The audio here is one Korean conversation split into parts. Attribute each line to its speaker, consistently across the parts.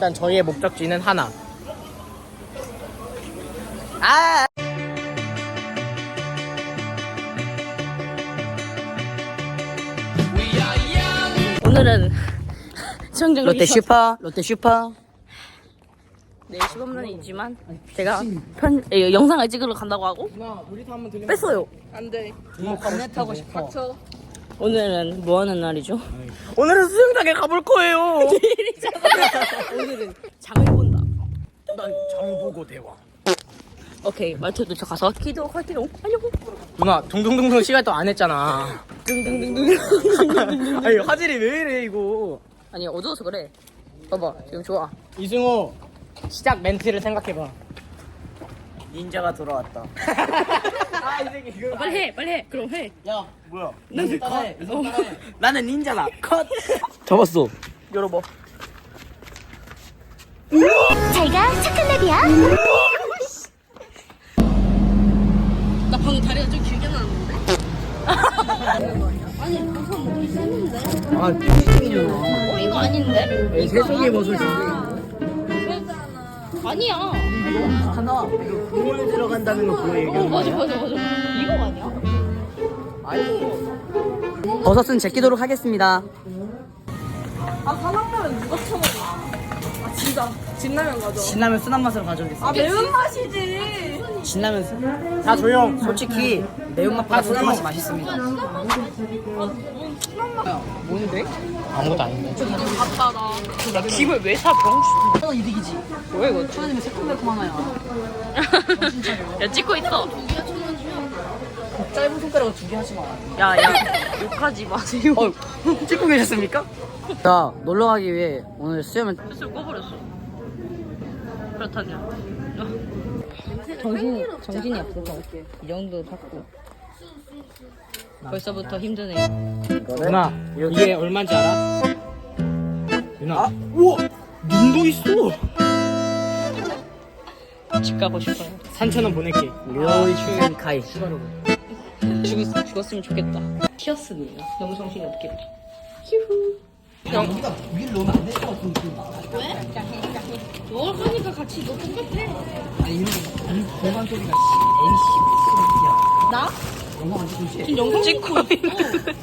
Speaker 1: 일단 저희의 목적지는 하나. 아!
Speaker 2: 오늘은 수영장
Speaker 1: 롯데 슈퍼, 롯데 슈퍼.
Speaker 2: 네, 시범론이지만 제가 영상을 찍으러 간다고 하고
Speaker 1: 누나, 우리도 한번 들리면
Speaker 2: 뺐어요. 안돼.
Speaker 1: 건네 타고 싶어.
Speaker 2: 오늘은 뭐 하는 날이죠?
Speaker 1: 오늘은 수영장에 가볼 거예요.
Speaker 2: 오늘은 장을 본다.
Speaker 1: 난 장 보고 대화.
Speaker 2: 오케이, 말투 도착가서 기도 할게요. 안녕.
Speaker 1: 누나, 둥둥둥둥 시간 또 안 했잖아.
Speaker 2: 둥둥둥둥.
Speaker 1: 아니, 화질이 왜 이래, 이거.
Speaker 2: 아니, 어두워서 그래. 봐봐, 지금 좋아.
Speaker 1: 이승호, 시작 멘트를 생각해봐. 닌자가 돌아왔다. 아, 이 새끼 이거.
Speaker 2: 빨리 해, 빨리 해. 그럼 해.
Speaker 1: 야, 뭐야?
Speaker 2: 나는
Speaker 1: 따라해. 나는 닌자다. 컷. 잡았어. 열어봐.
Speaker 3: 잘가 초콜릿이야.
Speaker 2: 나 방금 다리가 좀 길게 나왔는데? 아니, 우선 먹기 셌는데?
Speaker 1: 아, 삐삐이잖아.
Speaker 2: 이거 아닌데?
Speaker 1: 세송이 버섯이.
Speaker 2: 아니야.
Speaker 1: 하나. 이거 국물 들어간다는 거 그거 얘기하는
Speaker 2: 맞아. 이거 아니야?
Speaker 1: 아니. 버섯은 제끼도록 하겠습니다.
Speaker 4: 아, 사랑라면 누가 처먹어? 아, 진짜. 진라면 가져.
Speaker 1: 신라면 순한 맛으로 가져오겠습니다.
Speaker 4: 아, 매운맛이지.
Speaker 1: 신라면 순. 다 조용. 솔직히 매운맛보다 순한 맛이 맛있습니다. 뭔데? 아무것도 아닌데.
Speaker 2: 아빠, 나 김을 왜 사, 병신.
Speaker 1: 너 이득이지.
Speaker 2: 뭐야, 이거?
Speaker 1: 초아님은 새콤달콤 하나야.
Speaker 2: 야, 찍고 있어.
Speaker 1: 짧은 손가락으로 2개 하지 마.
Speaker 2: 야, 욕하지 마세요.
Speaker 1: 찍고 계셨습니까? 자, 놀러 가기 위해 오늘 수염을
Speaker 2: 술 꺼버렸어. 그렇다냐. 정신이 없어서 이 정도 받고 벌써부터 힘드네.
Speaker 1: 누나, 이게 얼마인지 알아? 누나. 우와! 눈도 있어!
Speaker 2: 집 가고 싶어요.
Speaker 1: 3,000원 보낼게. 료이슈엔 카이.
Speaker 2: 죽었으면 좋겠다. 튀었습니다. 너무 정신이 없겠다. 휴후.
Speaker 1: 우리가 위를 넣으면 안 될 것 같은데.
Speaker 2: 뭘 하니까 같이 너 똑같아.
Speaker 1: 아니, 이런 배관 소리가 MC 소리야.
Speaker 2: 나?
Speaker 1: 영상 안 찍고 있지?
Speaker 2: 지금 영상 찍고 있는데.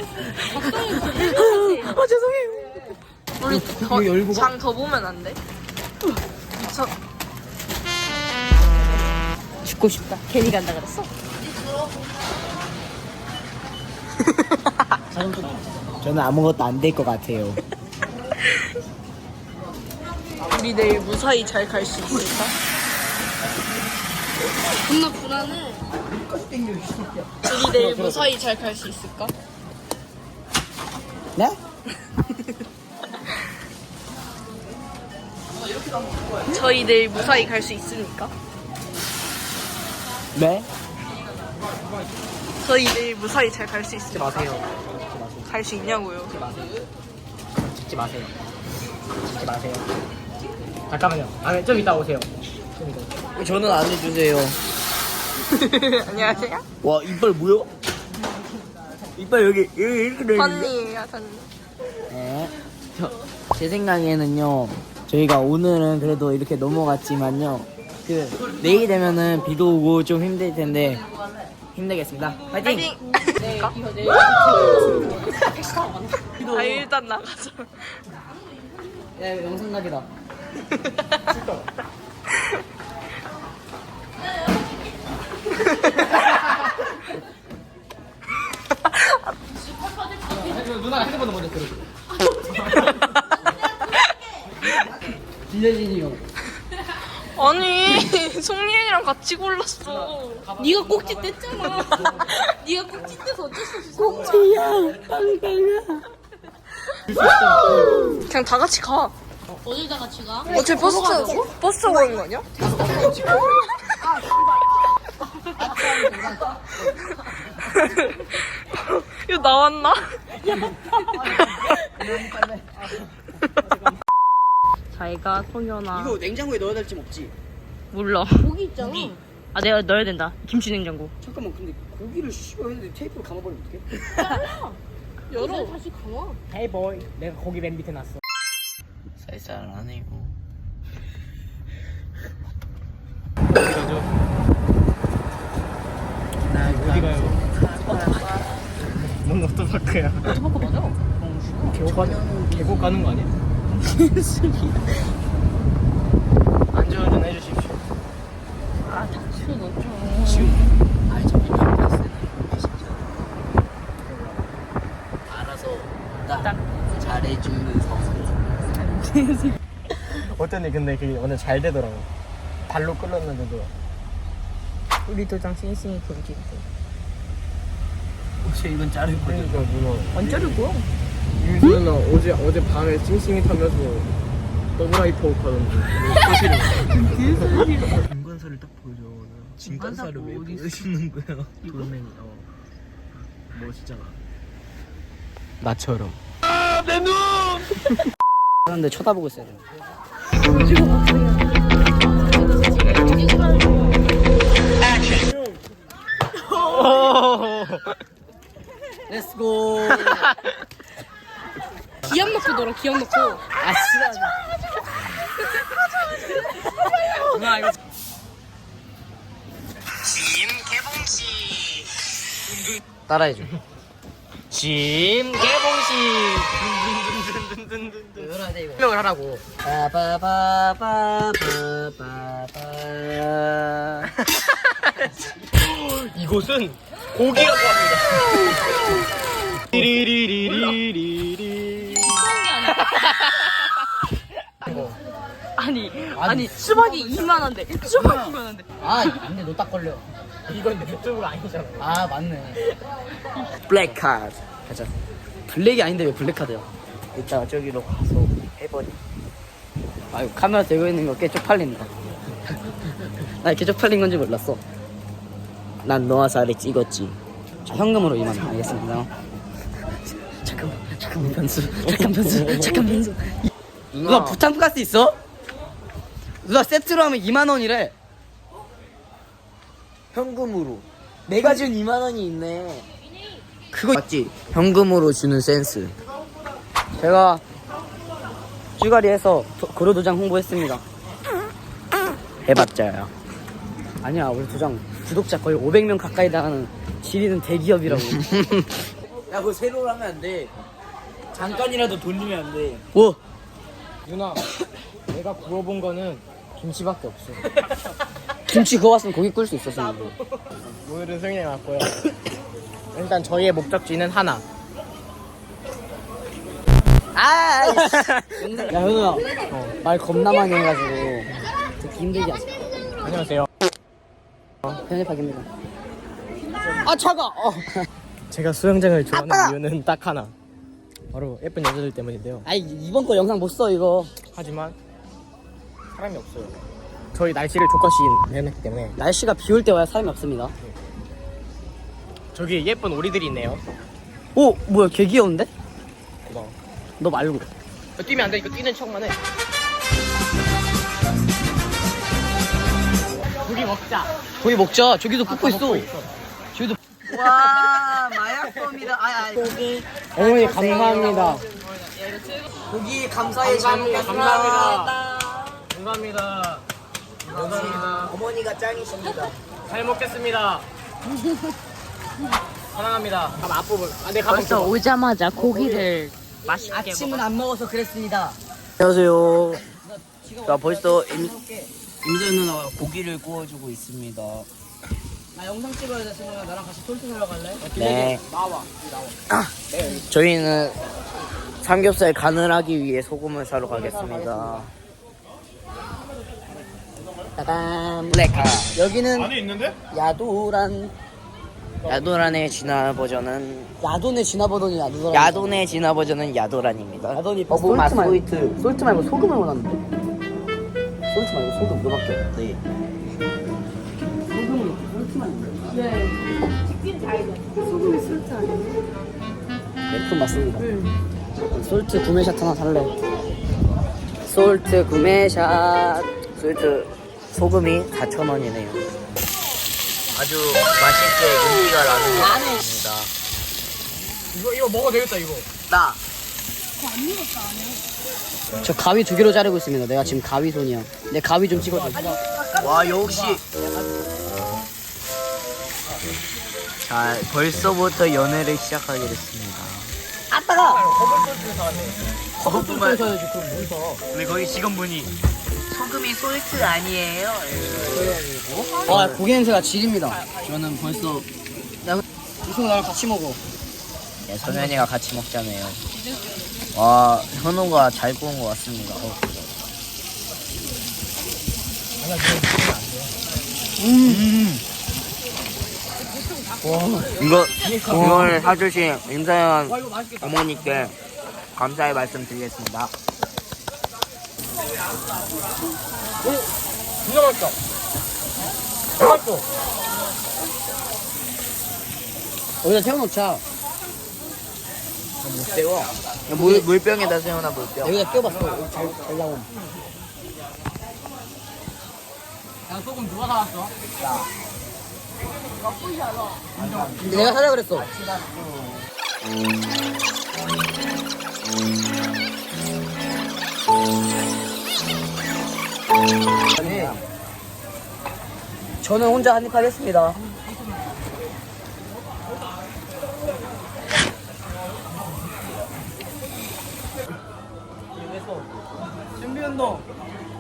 Speaker 1: 아, 죄송해요.
Speaker 2: 우리
Speaker 1: 이거 열고 가.
Speaker 2: 장 더 보면 안 돼? 죽고 싶다. 괜히 간다 그랬어?
Speaker 1: 저는 아무것도 안 될 것 같아요.
Speaker 2: 우리 내일 무사히 잘 갈 수 있을까? 존나 불안해. 우리 내일 무사히 잘 갈 수 있을까?
Speaker 1: 네?
Speaker 2: 저희 내일 무사히 갈 수 있습니까?
Speaker 1: 네?
Speaker 2: 저희 내일 무사히 잘 갈 수
Speaker 1: 찍지
Speaker 2: 있습니까?
Speaker 1: 마세요.
Speaker 2: 갈 수 있냐고요?
Speaker 1: 찍지 마세요. 찍지 마세요. 잠깐만요. 아, 좀 이따 오세요. 좀 이따. 저는 안 해주세요.
Speaker 2: 안녕하세요.
Speaker 1: 와, 이빨 뭐야? 이빨 여기 이렇게 돼 있는데?
Speaker 2: 선니예요, 선니.
Speaker 1: 네. 제 생각에는요, 저희가 오늘은 그래도 이렇게 넘어갔지만요, 내일 되면은 비도 오고 좀 힘들 텐데, 힘내겠습니다. 파이팅!
Speaker 2: 아, 일단 나가자.
Speaker 1: 야, 이거 영상 각이다. 누나가 핸드폰을 먼저 들어. 진여진이 형.
Speaker 2: 아니, 송리엔이랑 같이 골랐어. 네가 꼭지 뗐잖아. 네가 꼭지 떼서 어쩔 수 없어.
Speaker 1: 꼭지야, 빵빵아.
Speaker 2: 그냥 다 같이 가.
Speaker 4: 어딜 다 같이 가?
Speaker 2: 어차피 버스 타고 가는 거 아니야? 이거 나왔나? 잘가 송현아.
Speaker 1: 이거 냉장고에 넣어야 될지 없지?
Speaker 2: 몰라.
Speaker 4: 고기 있잖아.
Speaker 2: 아, 내가 넣어야 된다. 김치 냉장고.
Speaker 1: 잠깐만, 근데 고기를 씹어야 테이프로 감아버리면 어떡해?
Speaker 4: 열어. 다시 감아.
Speaker 1: 헤이 보이, 내가 고기 맨 밑에 놨어.
Speaker 5: 살살 안 해요.
Speaker 1: 어디 가요? 뭔 워터파크야?
Speaker 2: 워터파크 맞아?
Speaker 1: 계곡 가는 거 아니야? 안전운전 해주십시오.
Speaker 2: 아 닥쳐 너 좀.
Speaker 5: 알아서 딱 잘해주는 선수.
Speaker 1: 어쩐지 근데 그게 완전 잘 되더라고. 발로 끌었는데도.
Speaker 2: 우리 도장 싱싱이 경기.
Speaker 5: 혹시 이건 자를 거죠?
Speaker 1: 그러니까 누나.
Speaker 2: 안 자르고요.
Speaker 1: 유수는 어제 밤에 싱싱이 타면서 더블하이퍼 하던데. 사실은.
Speaker 5: 진관사를 딱 보여줘. 진관사를 왜 보여주는 거야? 돌멩이. 멋있잖아.
Speaker 1: 나처럼.
Speaker 5: 그런데 쳐다보고 있어야 돼. 렛츠고.
Speaker 2: 기억 넣고 놀아 기억 넣고.
Speaker 5: 아 싫어.
Speaker 1: 누나 이거.
Speaker 5: 따라해줘.
Speaker 1: 짐 개봉식.
Speaker 5: 외워야 돼 이거.
Speaker 1: 설명을 하라고.
Speaker 5: 빠바바바바바바.
Speaker 1: 이곳은 고기라고 합니다. 리리리리리리.
Speaker 2: 아니 수박이 2만 원대. 수박이 2만 원대.
Speaker 5: 아 안돼 너 딱 걸려.
Speaker 1: 이건 유튜브가 아니잖아.
Speaker 5: 아 맞네. 블랙 카드 가자. 블랙이 아닌데 왜 블랙 카드야? 이따가 저기로 가서 해버리. 아유 카메라 들고 있는 거 꽤 쪽팔린다. 나 이렇게 쪽팔린 건지 몰랐어. 난 너와 사를 찍었지. 자, 현금으로 2만 원 알겠습니다. 잠깐만 변수. 누나 부탄 가스 있어? 누나 세트로 하면 2만 원이래. 현금으로. 내가 준 2만 원이 있네. 그거 맞지? 현금으로 주는 센스. 제가 쭈가리에서 고려 도장 홍보했습니다. 해봤자야. 아니야 우리 도장 구독자 거의 500명 가까이 나가는 지리는 대기업이라고. 야 그거 세로로 하면 안 돼. 잠깐이라도 돌리면 안 돼. 오.
Speaker 1: 누나, 내가 구워본 거는 김치밖에 없어.
Speaker 5: 김치 구웠으면 고기 꿀 수 있었어.
Speaker 1: 오늘은 승인해 왔고요. 일단 저희의 목적지는 하나.
Speaker 5: 아. 야 현우야. 말 겁나 많이 해가지고 듣기 힘들지 않아?
Speaker 1: 안녕하세요.
Speaker 5: 편집하기입니다. 아 차가.
Speaker 1: 제가 수영장을 좋아하는 이유는 딱 하나. 바로 예쁜 여자들 때문인데요.
Speaker 5: 아이 이번 거 영상 못 써 이거.
Speaker 1: 하지만 사람이 없어요. 저희 날씨를 족같이 해냈기 때문에.
Speaker 5: 날씨가 비 올 때 와야 사람이 없습니다.
Speaker 1: 저기 예쁜 오리들이 있네요.
Speaker 5: 오 뭐야 개 귀여운데?
Speaker 1: 고마워.
Speaker 5: 너 말고.
Speaker 1: 뛰면 안 돼. 이거 뛰는 척만 해. 고기 먹자.
Speaker 5: 고기 먹자. 저기도 굽고 있어.
Speaker 1: 먹고 있어.
Speaker 5: 저기도. 와 마약범이다. 고기.
Speaker 1: 어머니 감사합니다.
Speaker 5: 고기 감사해.
Speaker 1: 감사합니다. 감사합니다. 감사합니다.
Speaker 5: 어머니가 짱이십니다.
Speaker 1: 잘 먹겠습니다. 사랑합니다. 가만 앞부분. 내 가방
Speaker 2: 벌써
Speaker 1: 줘.
Speaker 2: 오자마자 고기를 맛있게
Speaker 5: 아침은 안 먹어서 그랬습니다. 안녕하세요. 자 벌써 임소연 누나가 고기를 구워주고 있습니다. 나 영상 찍어야 돼. 승우야 나랑 같이 톨트 사러 갈래? 네.
Speaker 1: 나와.
Speaker 5: 저희는 삼겹살 간을 하기 위해 소금을 사러 가겠습니다. 따단 블랙카. 여기는
Speaker 1: 안에 있는데?
Speaker 5: 야도란의 진화 버전은
Speaker 2: 야돈의 진화 버전이 야도란.
Speaker 5: 야돈의 진화 버전은 야도란입니다.
Speaker 2: 야돈이
Speaker 5: 어부맛
Speaker 2: 솔트
Speaker 5: 소이트.
Speaker 2: 솔트 말고 소금을 원하는데. 솔트 말고 소금 너밖에.
Speaker 5: 네.
Speaker 2: 소금이 솔트 아니야?
Speaker 5: 네, 맞습니다. 솔트 구매샷 하나 살래. 솔트 구매샷. 솔트 소금이 4,000원이네요. 아주 맛있게 윤기가 나는 것 같습니다.
Speaker 1: 이거 먹어도 되겠다 이거.
Speaker 5: 나. 저 가위 2개로 자르고 있습니다. 내가 지금 가위 손이야. 내 가위 좀 찍어줘. 와 역시. 자, 벌써부터 연애를 시작하게 됐습니다.
Speaker 1: 허브만 사야지 그럼 뭘 사?
Speaker 5: 근데 거기 직원분이 소금이 솔트 아니에요?
Speaker 1: 와 고기 냄새가 지립니다. 저는 벌써 이승우 나랑 같이 먹어.
Speaker 5: 네, 선현이가 같이 먹자네요. 와, 현우가 잘 구운 것 같습니다. 이걸 사주신 임사연 어머니께 감사의 말씀 드리겠습니다.
Speaker 1: 진짜 맛있다. 맛있어. 여기다 태워놓자. 못 태워.
Speaker 5: 물병에다 세워놔, 물병.
Speaker 1: 여기다 끼워봤어. 잘 나옴. 야 소금 누가 사왔어? 내가 사자 그랬어.
Speaker 5: 저는 혼자 한입 하겠습니다.
Speaker 1: 준비 운동.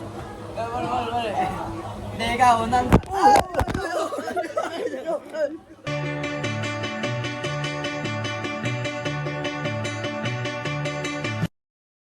Speaker 1: 빨리. 내가 원한.